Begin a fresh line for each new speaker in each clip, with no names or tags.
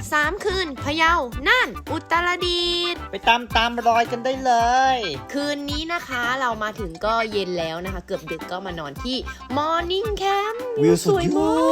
3 คืนพะเยาน่านอุตรดิตถ์
ไปตามรอยกันได้เลย
คืนนี้นะคะเรามาถึงก็เย็นแล้วนะคะเกือบดึกก็มานอนที่ Morning Camp
วิวสวยมาก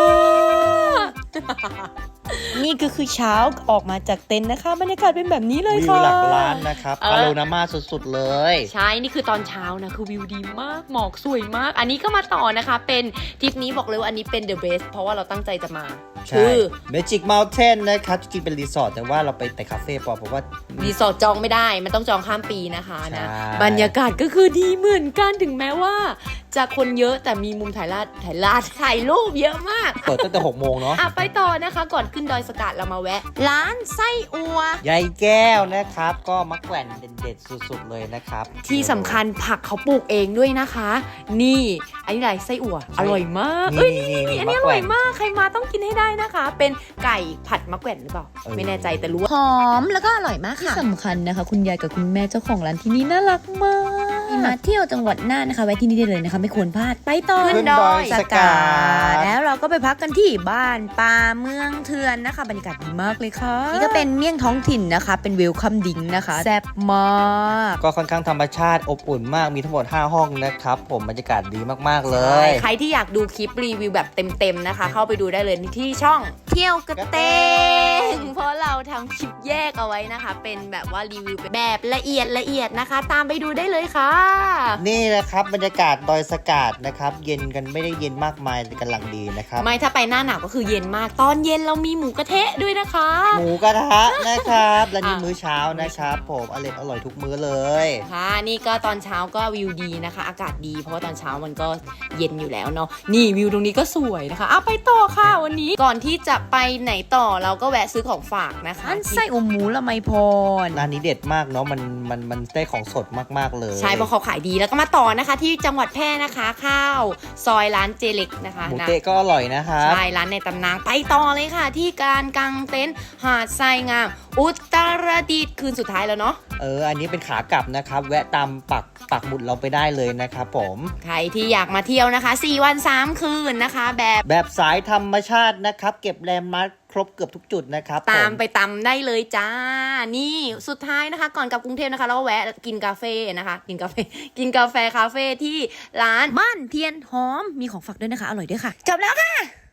นี่ก็คือเช้าออกมาจากเต็นท์นะคะบรรยากาศเป็นแบบนี้เลย
วิว
ค่ะ
หลักล้านนะครับพาโนรามาสุดๆเลย
ใช่ นี่คือตอนเช้านะคือวิวดีมากหมอกสวยมาก อันนี้ก็มาต่อนะคะเป็นทริปนี้บอกเลยว่าอันนี้เป็น the best เพราะว่าเราตั้งใจจะมา
ใช่ Magic Mountain นะครับจริงๆเป็นรีสอร์ทแต่ว่าเราไปแต่คาเฟ่เพราะว่า
รีสอร์ทจองไม่ได้มันต้องจองข้ามปีนะคะนะ
ใช่
บรรยากาศก็คือดีเหมือนกันถึงแม้ว่าจะคนเยอะแต่มีมุมถ่ายรูปเยอะมาก
เปิดตั้งแต่6 โมงเนาะ
ไปต่อนะคะก่อนขึ้นดอยสกัดเรามาแวะ ร้านไส้อัว
ยายแก้วนะครับก็มะแขวนเด็ดๆสุดๆเลยนะครับ
ที่สำคัญผักเขาปลูกเองด้วยนะคะ นี่อันนี้อะไรไส้อั่วอร่อยมาก
นี่
อันนี้อร่อยมากใครมาต้องกินให้ได้นะคะ เป็นไก่ผัดมะแขวนหรือเปล่าไม่แน่ใจแต่รู้ว่าหอมแล้วก็อร่อยมากค่ะ
สำคัญนะคะ คุณยายกับคุณแม่เจ้าของร้านที่นี่น่ารักมากมาเที่ยวจังหวัดน่านนะคะแวะที่นี่ได้เลยนะคะไม่ควรพลาดไปต่อ
ขึ้นดอยส
กาแล้วเราก็ไปพักกันที่บ้านป่าเมืองเทือนนะคะบรรยากาศดีมากเลยค่ะนี่ก็เป็นเมี่ยงท้องถิ่นนะคะเป็นเวลคัมดิงนะคะแซ่บมาก
ก็ค่อนข้างธรรมชาติอบอุ่นมากมีทั้งหมด5 ห้องนะครับผมบรรยากาศดีมากๆเลย
ใครที่อยากดูคลิปรีวิวแบบเต็มๆนะคะ เข้าไปดูได้เลยที่ช่องเที่ยวกระเตงเพราะเราทำคลิปแยกเอาไว้นะคะ เป็นแบบว่ารีวิวแบบละเอียดนะคะ ตามไปดูได้เลยค่ะ
นี่นะครับบรรยากาศดอยสกาดนะครับเย็นกันไม่ได้เย็นมากมายแต่กำลังดีนะครับ
ไม่ถ้าไปหน้าหนาวก็คือเย็นมากตอนเย็นเรามีหมูกระเทะด้วยนะคะ
หมูกระทะนะครับและนี่มื้อเช้านะครับผมอร่อยทุกมื้อเลย
ค่ะนี่ก็ตอนเช้าก็วิวดีนะคะ อากาศดีเพราะว่าตอนเช้ามันก็เย็นอยู่แล้วเนาะนี่วิวตรงนี้ก็สวยนะคะไปต่อค่ะวันนี้ก่อนที่จะไปไหนต่อเราก็แวะซื้อของฝากนะคะ
อันไส้อมหมูละไมพร
ร้านนี้เด็ดมากเนาะมันได้ของสดมากๆเลย
ใช่เพราะเขาขายดีแล้วก็มาต่อนะคะ ที่จังหวัดแพร่นะคะข้าวซอยร้านเจเล็กนะคะ
หมูเตะก็อร่อยนะครับ
ใช่ร้านในตำนานไปต่อเลยค่ะ ที่การกางเต็นท์หาดทรายงาม อุตรดิตถ์คืนสุดท้ายแล้วเนาะ
อันนี้เป็นขากลับนะครับแวะตามปักหมุดเราไปได้เลยนะครับผม
ใครที่อยากมาเที่ยวนะคะ4 วัน 3 คืนนะคะ
แบบสายธรรมชาตินะครับเก็บแลนด์มาร์คครบเกือบทุกจุดนะครับ
ตาม
ผ
ไปตำได้เลยจ้า นี่สุดท้ายนะคะ ก่อนกลับกรุงเทพนะคะเราก็แวะกินกาแฟนะคะ กินกาแฟคาเฟ่ที่ร้าน
บ้านเทียนหอมมีของฝากด้วยนะคะอร่อยด้วยค่ะจบแล้วค่ะ